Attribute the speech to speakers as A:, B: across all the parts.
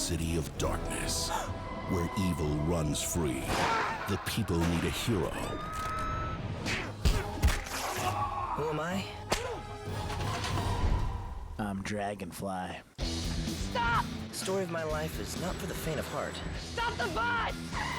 A: city of darkness, where evil runs free. The people need a hero.
B: Who am I?
C: I'm Dragonfly.
D: Stop!
B: The story of my life is not for the faint of heart.
D: Stop the bus!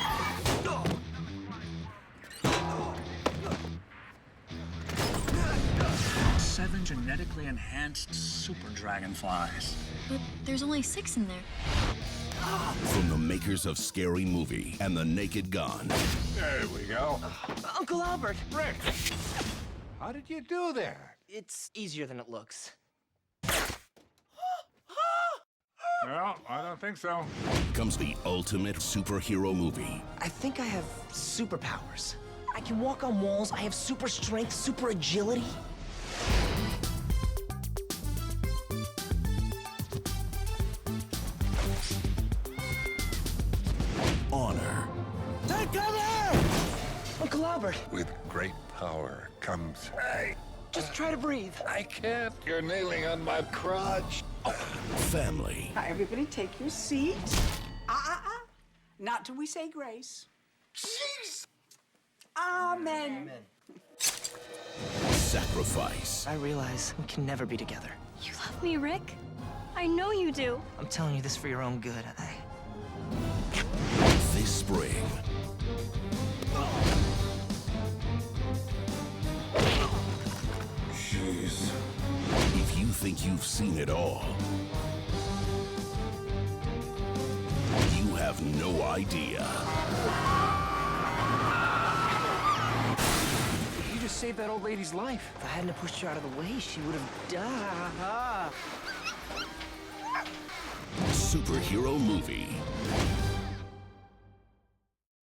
E: 7 genetically enhanced super dragonflies.
F: But there's only 6 in there.
A: From the makers of Scary Movie and The Naked Gun.
G: There we go.
B: Uncle Albert!
G: Rick, how did you do that?
B: It's easier than it looks.
G: No, I don't think so.
A: Comes the ultimate superhero movie.
B: I think I have superpowers. I can walk on walls, I have super strength, super agility.
A: Honor.
B: Take cover! Uncle Albert,
G: With great power comes... Hey,
B: just try to breathe.
G: I can't. You're kneeling on my crotch.
A: Family.
H: Now, everybody take your seat. Not till we say grace.
G: Jeez.
H: Amen.
A: Sacrifice.
B: I realize we can never be together.
F: You love me, Rick? I know you do.
B: I'm telling you this for your own good.
A: This spring.
G: Jeez.
A: If you think you've seen it all, you have no idea.
B: You just saved that old lady's life. If I hadn't pushed her out of the way, she would have died.
A: Superhero movie.